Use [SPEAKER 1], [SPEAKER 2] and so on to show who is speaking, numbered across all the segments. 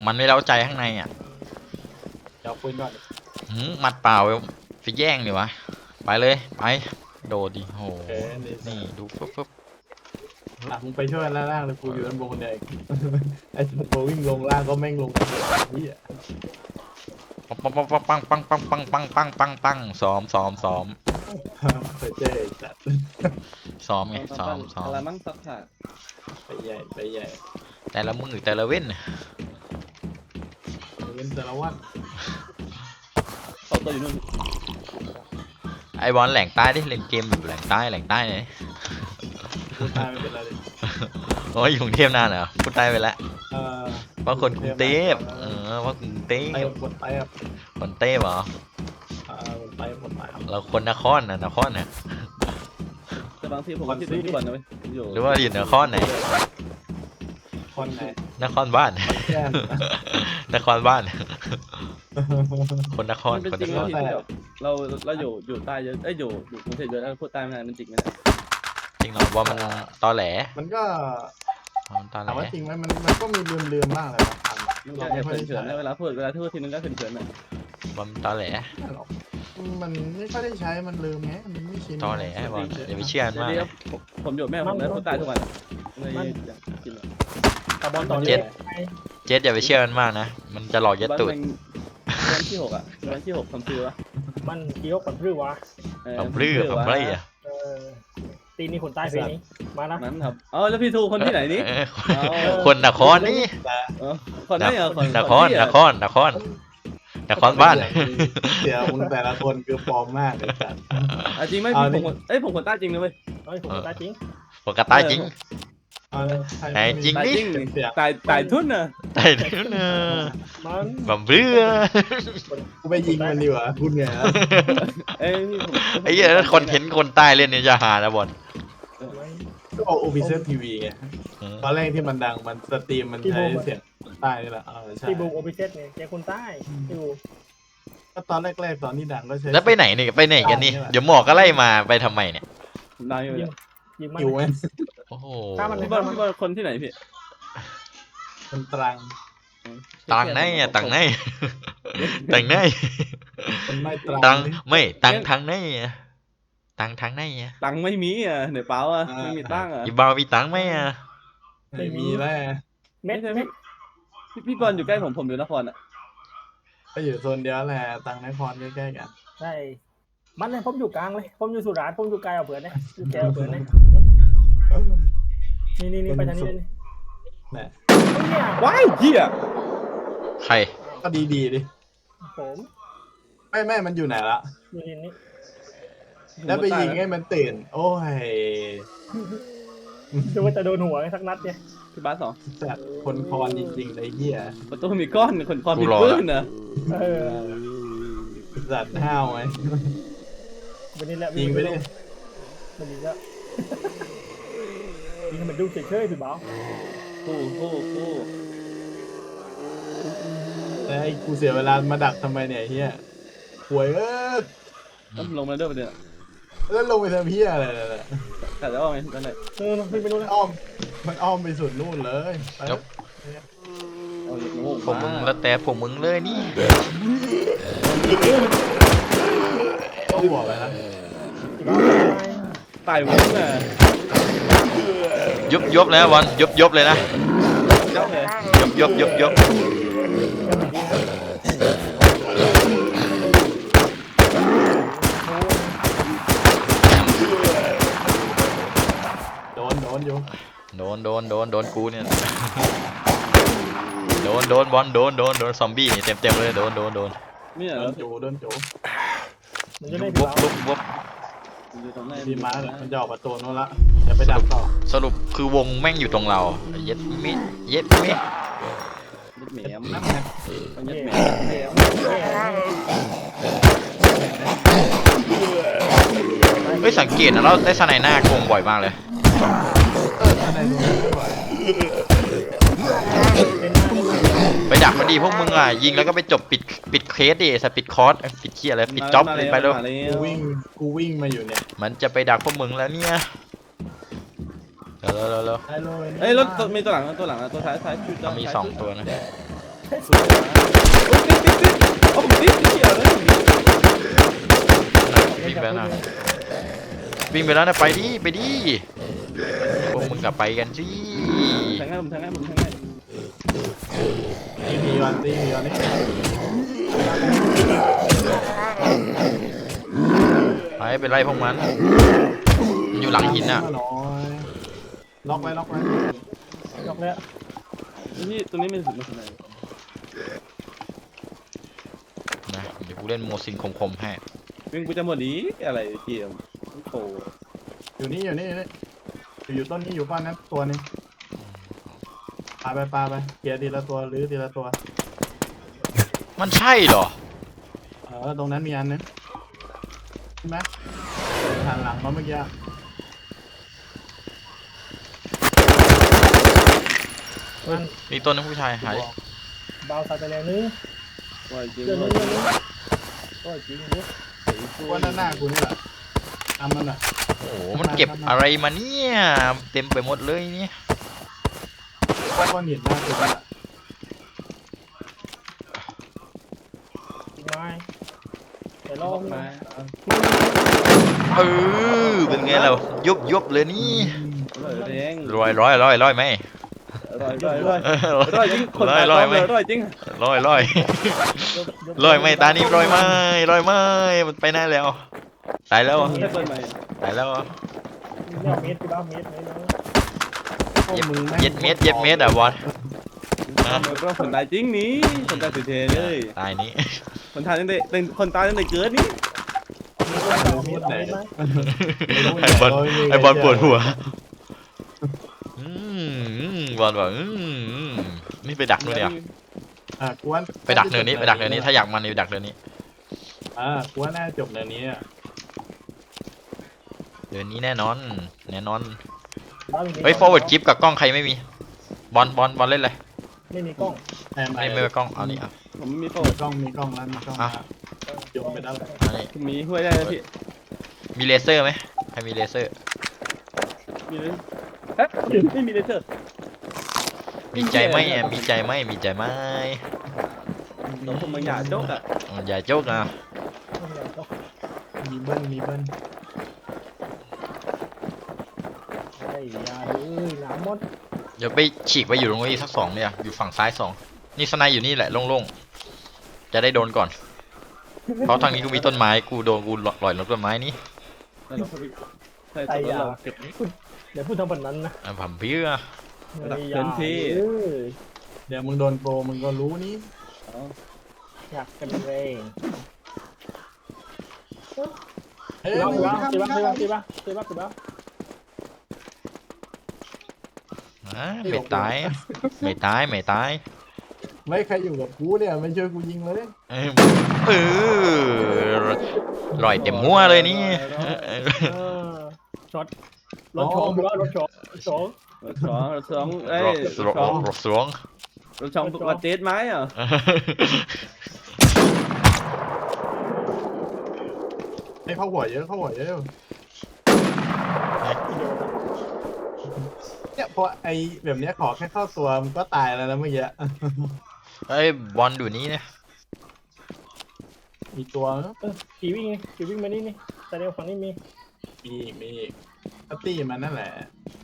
[SPEAKER 1] มันไม่เล้าใจข้างในอ่ะ
[SPEAKER 2] เดี๋ยวคุยก่อน
[SPEAKER 1] หมัดเปล่าไปแย่งดิวะไปเลยไปโดดดิโห
[SPEAKER 2] โอเคนี่
[SPEAKER 1] นี่ดูปึ๊บ
[SPEAKER 2] มึงไปช่วยล่างเลยกูอยู่ด้านบนเนี่ยไอ้โบวิ่งลงล่างก็แม่งลงนี่อ่ะ
[SPEAKER 1] ปังปังซ้อม
[SPEAKER 2] ไปเจ๊จัด
[SPEAKER 1] ซ้อมไงซ้อม
[SPEAKER 3] อะไรมั่งสักขาด
[SPEAKER 2] ไปใหญ่
[SPEAKER 1] แต่ละมือแต่ละเว้น
[SPEAKER 2] เป็นสารวัตร
[SPEAKER 3] ต่อตัวอยู่นู่น
[SPEAKER 1] ไอบอลแหล่งใต้ดิเล่นเกมอยู่แหล่งใต้เลย
[SPEAKER 2] กูตายไม่เป็นไรเลย
[SPEAKER 1] โอ้ยอยู่กรุงเทพนานเหรอพูดใต้ไปแล้ว
[SPEAKER 2] เออ
[SPEAKER 1] เพราะคนกรุงเทพเพราะกรุงเท
[SPEAKER 2] ไป
[SPEAKER 1] พ
[SPEAKER 2] หมดไปอ่ะ
[SPEAKER 1] คนเต้เหรอ
[SPEAKER 2] หมดไป
[SPEAKER 1] เราคนนครน่ะ
[SPEAKER 3] แต่บางทีผมก็คิดถึงที่บ่อนนะเว้ยอยู่
[SPEAKER 1] หรือว่าอยู่นครไหน
[SPEAKER 2] คนไหน
[SPEAKER 1] นครบ้าน
[SPEAKER 2] แก้ม
[SPEAKER 1] นครบ้าน คนนคร
[SPEAKER 3] มันเป็น
[SPEAKER 1] คน
[SPEAKER 3] จริ
[SPEAKER 1] น
[SPEAKER 3] ง
[SPEAKER 1] ค
[SPEAKER 3] นะ
[SPEAKER 1] ร
[SPEAKER 3] ที่แบบเราอยู่ใต้เยอะอยู่กรุงเทพเยอะแล้วพูดใต้ไม่ได้มันจริงไหม
[SPEAKER 1] จริงเหรอว่ามันตอแหล
[SPEAKER 2] มันก็
[SPEAKER 1] มันตอแหล
[SPEAKER 2] ถามว่าจริงไหมมันก็มีเลื่อมบ้างเลยบางครั้ง
[SPEAKER 3] มัน
[SPEAKER 2] เรา
[SPEAKER 3] แค่
[SPEAKER 2] ไม่ค่อยได้
[SPEAKER 3] เขิน
[SPEAKER 2] ใช้
[SPEAKER 3] ๆนะเวลาพูดทีนึงก็เขินๆนะ
[SPEAKER 1] ว่ามันตอแหล
[SPEAKER 2] หรอกมันไม่ค่อยได้ใช้มันลืมไงมันไม่ชิน
[SPEAKER 1] ตอแหลบอลอย่าไปเชื่อมันมาก
[SPEAKER 3] เดี๋ยวผมอยู่แม่ผมแล้วพูดใต้ทุกวันเลยอยากกิน
[SPEAKER 4] ตาบอลตอนนี้
[SPEAKER 1] เจสอย่าไปเชื่อมันมากนะมันจะหลอกยัดตูด
[SPEAKER 3] วันที่6อ่ะวันที่6ทำซื้อวะ
[SPEAKER 4] มันเกี่ยวกับหรือวะ
[SPEAKER 1] ผมปลื้มอ่ะ
[SPEAKER 4] เออตีนี่คนใต้ปีนี้มานะ
[SPEAKER 3] นั้นครับอ๋อแล้วพี่ทูคนที่ไหนนี่
[SPEAKER 1] คนนครนี่
[SPEAKER 3] คนไหนอ่ะคน
[SPEAKER 1] นครบ้าน
[SPEAKER 2] เดี๋ยวมึงแต่ละคนคือปลอมมากเลยจัด
[SPEAKER 3] จริงไหมผมคนใต้จริงเลยเว้ย
[SPEAKER 4] เฮ้ยผมคนใต้จริง
[SPEAKER 1] ปกติจริง ไหนจริง
[SPEAKER 3] ตาย
[SPEAKER 1] นี่
[SPEAKER 3] จริงตายทุ่นน่ะ
[SPEAKER 1] แต่เดี๋ยวนะ
[SPEAKER 4] มัน
[SPEAKER 1] บัมเบื่อ
[SPEAKER 2] กูไปยิงมันดีกว่าพูดไง
[SPEAKER 3] เอ้ย
[SPEAKER 1] ไอ้เหี้ยคอนเทนต์คนใต้เล่นเนี่ยจะหานะบอล
[SPEAKER 2] ก็เอา OBS TV ไงตอนแรกที่มันดังมันสตรีมมันใช้เสียงใต้นี่แหละใช่
[SPEAKER 4] ที่บูมโอปิเซตเนี่ยแกคนใต้ที่บูม
[SPEAKER 2] ก็ตอนแรกๆตอนที่ดังก็ใช้
[SPEAKER 1] แล้วไปไหนนี่ไปไหนกันนี่เดี๋ยวหมอก็ไล่มาไปทำไมเนี่ย
[SPEAKER 3] นายอยู่
[SPEAKER 4] ยิงมัน
[SPEAKER 2] อยู่ไหม
[SPEAKER 1] โอ้โห
[SPEAKER 3] พี่บอลคนที่ไหนพี่
[SPEAKER 2] มันตรัง
[SPEAKER 1] ตังไหนอ่ะตังไหนตังไหน
[SPEAKER 2] มันไม่ตรัง
[SPEAKER 1] ตังไม่ตังทางไหนอ่ะตังทางไหนอ่ะ
[SPEAKER 3] ตังไม่มีอ่ะเหนือเปล่าอ่ะไม่มีตังอ่ะ
[SPEAKER 1] อีบาวมีตังไหมอ่ะ
[SPEAKER 2] ไม่มีแล้ว
[SPEAKER 4] เม็ดเม็ด
[SPEAKER 3] พี่บอลอยู่ใกล้ผมอยู่นครอ่ะ
[SPEAKER 2] ก็อยู่โซนเดียวแหละตังนครใกล้ๆกัน
[SPEAKER 4] ใช่มันเลยผมอยู่กลางเลยผมอยู่สุราษฎร์ผมอยู่ไกลเอาเผื่อเนี่ยอยู่แกเอาเผื่อเนี่ยนี่ไปทางนี้เลย
[SPEAKER 2] เนี่ย
[SPEAKER 4] เนี่ย
[SPEAKER 3] ว้ายเหี้ย
[SPEAKER 1] ใคร
[SPEAKER 2] ก็ดีดิ
[SPEAKER 4] ผม
[SPEAKER 2] ไม่มันอยู่ไหนละ
[SPEAKER 4] อยู่ที่นี่
[SPEAKER 2] แล้วไปยิงให้มันตื่น โอ้ย
[SPEAKER 4] ดูว่าจะโดนหัวสักนัดเนี่ย
[SPEAKER 3] พี่บาส2
[SPEAKER 2] จัดคนคอนจริงๆเลยเหี้ย
[SPEAKER 3] ประตูมีก้อนคนคอนมีปืนนะ
[SPEAKER 4] เออ
[SPEAKER 2] จัดห้าวไหม
[SPEAKER 4] วันนี้แหละ
[SPEAKER 2] ยิงไปดิ
[SPEAKER 4] มันยิงแล้วยิงให้มันดูเฉยๆพี่บ่าว
[SPEAKER 3] คู่
[SPEAKER 2] แต่ให้กูเสียเวลามาดักทำไมเนี่ยเฮียหวย
[SPEAKER 3] ลงมาด้วยประเดี๋ยว
[SPEAKER 2] แล้วลงไปทำเฮียอะไรเนี่ย
[SPEAKER 3] แต่แล้วไงนั่นแหละ
[SPEAKER 4] พี่ไม่รู้นะ
[SPEAKER 2] มันอ้อมไปสุดนู่นเลยไป
[SPEAKER 3] เอาอย่างงู
[SPEAKER 1] ผมมึงแล้วแต่ผมมึงเลยนี่
[SPEAKER 2] ต้องบอกไปนะ
[SPEAKER 3] ตายวุ้นน่ะ
[SPEAKER 1] ยบแล้วบอลยบเลยนะ
[SPEAKER 3] เจ้าเลย
[SPEAKER 1] ยบ
[SPEAKER 2] โดนอยู่
[SPEAKER 1] โดนกูเนี่ยโดนบอลโดนซอมบี้นี่เต็มเลยโดน
[SPEAKER 3] เนี่ย
[SPEAKER 2] โด
[SPEAKER 3] แล้ว
[SPEAKER 2] นจูโดนจู
[SPEAKER 4] มันจะได้พี่บ่าว
[SPEAKER 1] วุบ
[SPEAKER 3] อยู่ตรงไหน
[SPEAKER 2] ดีมาเนี่ยมันจะออกประตูนู้นละอย่าไปดักต่อ
[SPEAKER 1] สรุปคือวงแม่งอยู่ตรงเราเย็ดมิ
[SPEAKER 3] ยึดแหมม
[SPEAKER 2] นั่นแหละ
[SPEAKER 3] มันยึดแหมม
[SPEAKER 1] เฮ้ยสังเกตนะเราได้สไนหน้ากงบ่อยมากเลย
[SPEAKER 2] อะไรตรงนี้ไม่ไหว
[SPEAKER 1] ไปดักมันดีพวกมึงอ่ะยิงแล้วก็ไปจบปิดเคสดิสปิดคอร์สปิดเคียอะไรปิดจ็อบเลยไปแล้ว
[SPEAKER 2] กูวิ่งมาอยู่เนี่ย
[SPEAKER 1] มันจะไปดักพวกมึงแล้วเนี่ยเร็ว
[SPEAKER 2] ได้เลย
[SPEAKER 3] เอ้ยรถมีตัวหลังตัวท้ายชุด
[SPEAKER 1] มี2 ตัวนะ
[SPEAKER 3] สวยนะโอ้ยติดโอ้ผมติดเหี้ยเลย
[SPEAKER 1] วิ่งไปแล้วนะวิ่งไปแล้วนะไปดิไปดิพวกมึงกลับไปกันสิ
[SPEAKER 3] แทงให้ผมแทงให้ผมแทงให้
[SPEAKER 2] ตีมีวันนี่
[SPEAKER 1] ไปไปไล่พวกมันอยู่หลังหินอ่ะ
[SPEAKER 2] ล็อกไว้
[SPEAKER 4] ยกแล้ว
[SPEAKER 3] นี่ตรงนี้ไม่ถึงมาทำไม
[SPEAKER 1] นะเดี๋ยวกูเล่นโมซินคมๆให้
[SPEAKER 3] วิ่งกูจะหมดดีอะไรเกี่ยวโอ้
[SPEAKER 2] อยู่นี่อยู่ต้นนี้อยู่ก้อนนั้นตัวนึงปาไปเกียร์ทีละตัวหรือทีละตัว
[SPEAKER 1] มันใช่เหรอ
[SPEAKER 2] ตรงนั้นมีอันนึงใช่ไหมหันหลังมาเมื่อกี้
[SPEAKER 4] มัน
[SPEAKER 1] มีตัวนึงผู้ชายหาย
[SPEAKER 4] เบาใส่ไปแล้วนึง
[SPEAKER 3] ว่าจริง
[SPEAKER 4] เดือน
[SPEAKER 3] ว่า
[SPEAKER 4] นึงก็จริงเนี่ย
[SPEAKER 2] ว่าหน้ากูนี่แหละทำมันอ่ะ
[SPEAKER 1] โอ้โหมันเก็บอะไรมาเนี่ยเต็มไปหมดเลยเนี่ย
[SPEAKER 2] ว่าก้อนหินหน้ากูนี่แหละ
[SPEAKER 4] จริงไหมแต่ล
[SPEAKER 3] ล
[SPEAKER 4] อ
[SPEAKER 3] อง กมา
[SPEAKER 1] เออเป็นไงเรายุบเลยนี่
[SPEAKER 3] เลยแดง
[SPEAKER 1] ร้อยไหม
[SPEAKER 3] ร่อยจริงคนตาย
[SPEAKER 1] ร้อยไหม
[SPEAKER 3] ร่อยจริง
[SPEAKER 1] ร้อยไหมตานี่ร้อยไหมมันไปไหนแล้วตายแล้ว
[SPEAKER 3] ให้เปิดใหม่
[SPEAKER 1] ตายแล้ว
[SPEAKER 4] เนี่ยเมตรพี่บ้าเมตรเลย
[SPEAKER 1] เย็ดเม็ดอ่ะบอล
[SPEAKER 3] ก็คนตายจริงนี้คนตายสุดเทเลย
[SPEAKER 1] ตายนี้
[SPEAKER 3] คนตายตั้งแต่คนตายตั้งแต่เกิดนี่
[SPEAKER 1] ไอบอลปวดหัวบอลบอกนี่ไปดักนู่นเนี่ย
[SPEAKER 2] กวน
[SPEAKER 1] ไปดักเนินนี้ถ้าอยากมันไปดักเนินนี้
[SPEAKER 2] กวนน่าจบเนินนี้อ่ะ
[SPEAKER 1] เนินนี้แน่นอน
[SPEAKER 4] บ้า
[SPEAKER 1] เฮ้ย forward กิฟกับกล้องใครไม่มีบอลเล่นเลย
[SPEAKER 4] ไม่มีกล้อง
[SPEAKER 1] ไม่มีกล้องเอานี่อ่ะ
[SPEAKER 3] ผมไม่มีโฟ
[SPEAKER 2] มีกล้องแล้วมีกล้องโยนไปได้เลย
[SPEAKER 1] เอานี่
[SPEAKER 3] มีห้วยได้นะพี่
[SPEAKER 1] มีเลเซอร์ไหมใครมีเลเซอร์
[SPEAKER 3] มีเลยเอ๊ะไม่มีเลเซอร์
[SPEAKER 1] มีใจไหม
[SPEAKER 3] น้องผมมาหยาดโจ๊กอ่ะ
[SPEAKER 1] อย่าโจ๊กนะ
[SPEAKER 2] มีเบิ้ล
[SPEAKER 4] ไอ้ยาดูหนามด
[SPEAKER 1] เดี๋ยวไปฉีกไปอยู่ตรงนี้สัก2เนี่ยอยู่ฝั่งซ้าย2นี่สไนอยู่นี่แหละโล่งๆจะได้โดนก่อนเพราะทางนี้กูมีต้นไม้กูโดนกูลอยลงต้นไม้นี่
[SPEAKER 3] แล้วเราใช่ตัวเราเก็บ
[SPEAKER 4] เดี๋ยวพูดทำแบบนั้นนะ
[SPEAKER 1] ผมเพื่อ
[SPEAKER 2] เดี๋ยวมึงโดนโปรมึงก็รู้นี่
[SPEAKER 4] อยากกันเอง
[SPEAKER 2] เฮ้ย
[SPEAKER 4] ตีบ้า
[SPEAKER 1] ไม่ตาย
[SPEAKER 2] ไม่ใครอยู่กับกูเนี่ยไม่ช่วยกูยิงเลย
[SPEAKER 1] ลอยเต็มหัวเลยนี่
[SPEAKER 4] ช็อตรถชองพี่บ้ารถชอง
[SPEAKER 3] สองเอ้ย
[SPEAKER 1] รถสวง
[SPEAKER 3] รถช่องมาเตสไม้อ่ะ
[SPEAKER 2] ให้เข้าหัวเยอะเนี่ยพอไอแบบเนี้ยขอแค่เข้าตัวมันก็ตายแล้วนะเมื่อกี้
[SPEAKER 1] ไอ้บอลอยู่นี่นะ
[SPEAKER 2] มีตัว
[SPEAKER 4] ขี่วิ่งมานี่แต่เดี๋ยวฝั่งนี้มี
[SPEAKER 2] มีก็ตีมันนั่นแหละ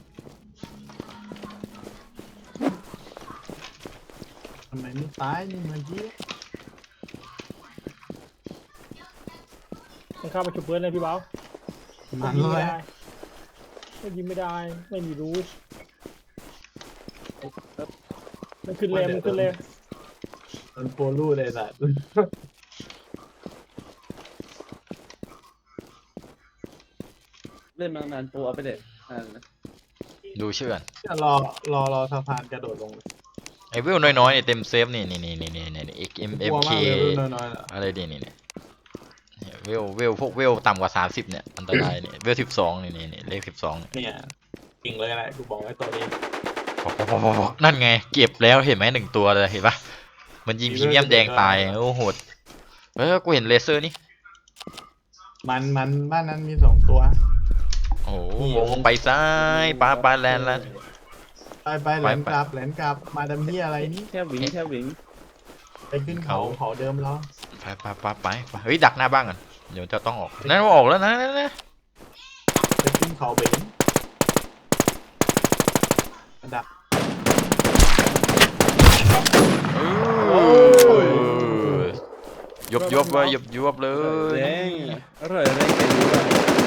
[SPEAKER 2] ทำไมไม่ตายนี่เมื่อกี้
[SPEAKER 4] ต้องเข้าไปฉุบเพื่อนเลยพี่บ้า
[SPEAKER 2] มัน
[SPEAKER 4] ยิง
[SPEAKER 2] เล
[SPEAKER 4] ไม่
[SPEAKER 2] ย
[SPEAKER 4] ได้ไม่มีรู้มันขึ้นเลย
[SPEAKER 2] มันโปรลูเลยสัตว์
[SPEAKER 3] เล่นมานานโปรเอาไปเด็ด
[SPEAKER 1] ดูเชื่อน
[SPEAKER 2] รอสะพานกระโดดลง
[SPEAKER 1] ไอ้เวลน้อยๆเนี่ยเต็มเซฟนี่ XMFK
[SPEAKER 2] น้อยๆอ่ะ
[SPEAKER 1] อะไรนี่เวลพวกเวลต่ำกว่า30เนี่ยอันตรายเนี่ยเวล12นี่เลข12
[SPEAKER 2] เนี่ยกิ่งเลยแหละกูบอกไว้ตัวนี้
[SPEAKER 1] นั่นไงเก็บแล้วเห็นไหม1ตัวเลยเห็นปะมันยิงพรีเมียมแดงตายโอ้โหดกูเห็นเลเซอร์นี่
[SPEAKER 2] มันบ้านนั้นมี2ตัว
[SPEAKER 1] โอ้โหวงไปซ้ายปลาแลนด์แล้ว
[SPEAKER 2] ไปแหลนกลับมาดำเฮียอะไรนี่
[SPEAKER 3] แค่วิ่ง
[SPEAKER 2] ไปขึ้นเขาเดิมแล้ว
[SPEAKER 1] ไปเฮ้ยดักหน้าบ้านก่อนเดี๋ยวจะต้องออกนั่นออกแล้วนะนั่น
[SPEAKER 2] ไปขึ้นเขาเบนดัก
[SPEAKER 1] ยบเลยยบเลย
[SPEAKER 3] แรงอร่อยแรงแกอยู่อะ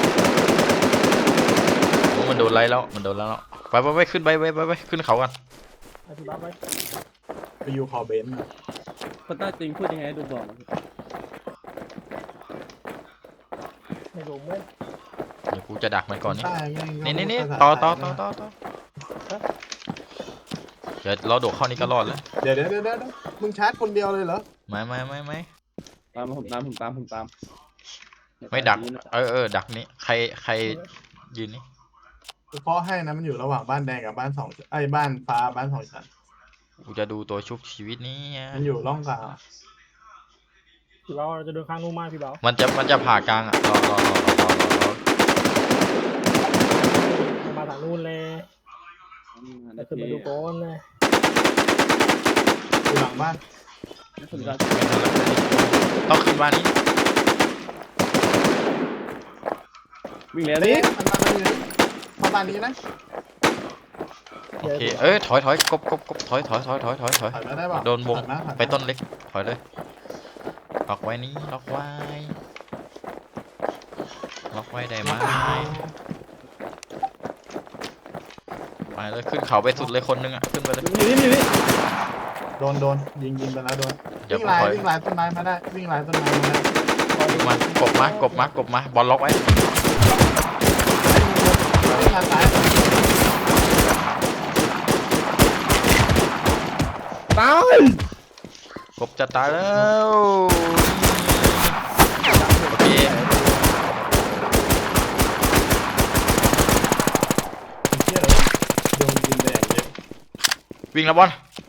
[SPEAKER 1] มันโดนไล่แล้วมันโดนแล้วไปขึ้นไปขึ้นเขากัน
[SPEAKER 4] อธิบายไว้
[SPEAKER 2] ไปอยู่เขาเบน
[SPEAKER 3] คนใต้จริงพูดยังไงดูบอก
[SPEAKER 4] ในโรงเว้ย
[SPEAKER 1] เดี๋ยวกูจะดักมันก่อนนี่
[SPEAKER 2] ใต้แม่ง
[SPEAKER 1] นี่ต่อเดี๋ยวเราโดดเข้านี่ก็รอดแล้ว
[SPEAKER 2] เดี๋ยวมึงชาร์จคนเดียวเลยเหรอ
[SPEAKER 1] ไม่
[SPEAKER 3] ตามผมตาม
[SPEAKER 1] ไม่ดักดักนี้ใครยืนนี่
[SPEAKER 2] กูเคาะให้นะมันอยู่ระหว่างบ้านแดงกับบ้าน2 ชั้นไอ้บ้านฟ้าบ้าน2 ชั้น
[SPEAKER 1] กูจะดูตัวชุบชีวิตนี้
[SPEAKER 2] มันอยู่ร่องกลาง
[SPEAKER 4] พี่เบาเราจะเดินข้างนู้นมากพี่เบา
[SPEAKER 1] มันจะผ่ากลางอ่ะรอ
[SPEAKER 4] มาทางนู้นเลยจะขึ้นมาดูโก้นเลย
[SPEAKER 2] อยู่หลังบ้าน
[SPEAKER 1] ต้องขึ้นบ้านนี้
[SPEAKER 3] วิ่งแล้ว
[SPEAKER 2] นี่
[SPEAKER 3] นี่
[SPEAKER 2] มันมาอยู่นี่เข้าบ้านนี้นะ
[SPEAKER 1] โอเคถอยกบถอย
[SPEAKER 2] ถอยมาได้ป่ะ
[SPEAKER 1] โดนวง
[SPEAKER 2] ถอยมา
[SPEAKER 1] ไปต้นเล็กถอยเลยล็อกไว้นี่ล็อกไว้ได้ไหมไปเลยขึ้นเขาไปสุดเลยคนนึงอ่ะขึ้นไปเลย
[SPEAKER 3] นี่
[SPEAKER 2] โดนยิงไปแล้วโดน
[SPEAKER 1] เดี๋ยว
[SPEAKER 2] วิ่งลายต้นไม้มาได้วิ่งลายต้นไม้มาได้
[SPEAKER 1] กบมาบอลล็อกไว้
[SPEAKER 2] วิ่งลายซ้าย
[SPEAKER 3] ตาย
[SPEAKER 1] กบจะตายแล้วโอเค
[SPEAKER 2] เที่ยวโดนยิงแดงเยอะ
[SPEAKER 1] วิ่งแล้วบอล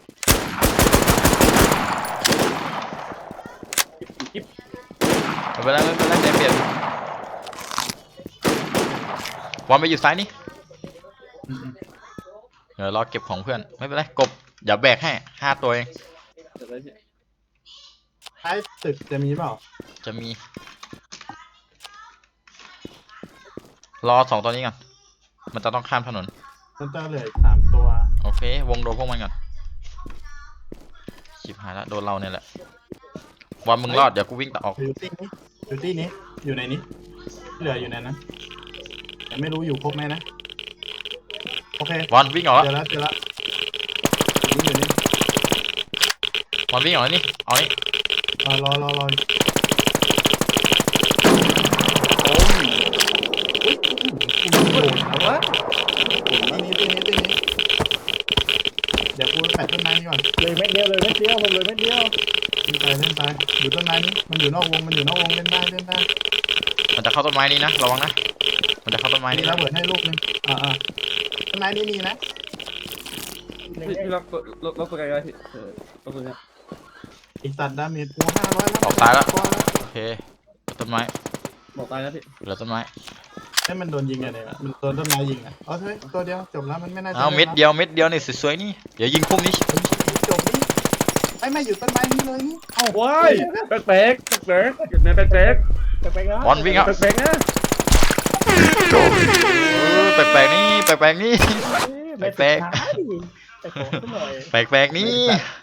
[SPEAKER 1] ไม่เป็นไรเปลี่ยนบอลไปอยู่ซ้ายนี่เดี๋ยวรอเก็บของเพื่อนไม่เป็นไรกบอย่าแบกให้5 ตัวเอง
[SPEAKER 2] ท้ายตึกจะมีเปล่า
[SPEAKER 1] จะมีรอ2 ตัวนี้ก่อนมันจะต้องข้ามถนน
[SPEAKER 2] มันจะเหลืออีก3 ตัว
[SPEAKER 1] โอเควงโดนพวกมันก่อนชิบหายแล้วโดนเราเนี่ยแหละบอลมึงรอดเดี๋ยวกูวิ่งต่อออก
[SPEAKER 2] อยู่ที่นี้อยู่ในนี้เหลืออยู่ในนั้นแต่ไม่รู้อยู่ครบไหมนะโอเค
[SPEAKER 1] บอลวิ่งออกแล้ว
[SPEAKER 2] เจอแล้วอยู่นี่
[SPEAKER 1] บอลวิ่งออกแล้วนี่เอานี่
[SPEAKER 2] รอโอ้ยเอาวะที่นี้เดี๋ยวกูแปะต้นไม้นี่ก่อน
[SPEAKER 4] เลยเม็ดเดียวผมเลยเม็ดเดียว
[SPEAKER 2] เล่นไปอยู่ต้นไม้นี้มันอยู่นอกวงเล่นได้
[SPEAKER 1] มันจะเข้าต้นไม้นี้นะระวังนะมันจะเข้าต้นไม้
[SPEAKER 2] นี่
[SPEAKER 1] นี้
[SPEAKER 2] ระ
[SPEAKER 1] นะ
[SPEAKER 2] เบิดให้ลูกนึงต้นไม้นี้มีนะ
[SPEAKER 3] พี่ล็อกตัวไกลๆพี่ล็อกตัวเนี้ย
[SPEAKER 2] อีกสัตว์ดาเมจกู500แล้ว
[SPEAKER 1] ออกตายแล้วโอเคต้นไม้
[SPEAKER 3] บอกตายนะพี่
[SPEAKER 1] เหลือต้นไม้
[SPEAKER 2] ให้มันโดนยิงไงเนี่ยมันโดนต้นไม้ยิงอ่ะเฮ้ยตัวเดียวจบแล้วมันไม่น่าจะ
[SPEAKER 1] เอาเม็ดเดียวนี่สวยๆนี่เดี๋ยวยิงพุ่มนี้
[SPEAKER 2] จบนี่ไม่อยู่ต้นไม้นี้เลยนี่
[SPEAKER 3] เอ้าว้ายแปลกแปลกแนะแปลก
[SPEAKER 4] แปลกๆนะ
[SPEAKER 1] บอลวิ่งเอา
[SPEAKER 3] แปลกนะ
[SPEAKER 1] แปลกๆนี่
[SPEAKER 4] แปลกๆแต่ขอหน่อย
[SPEAKER 1] แปลกๆนี่
[SPEAKER 2] แต่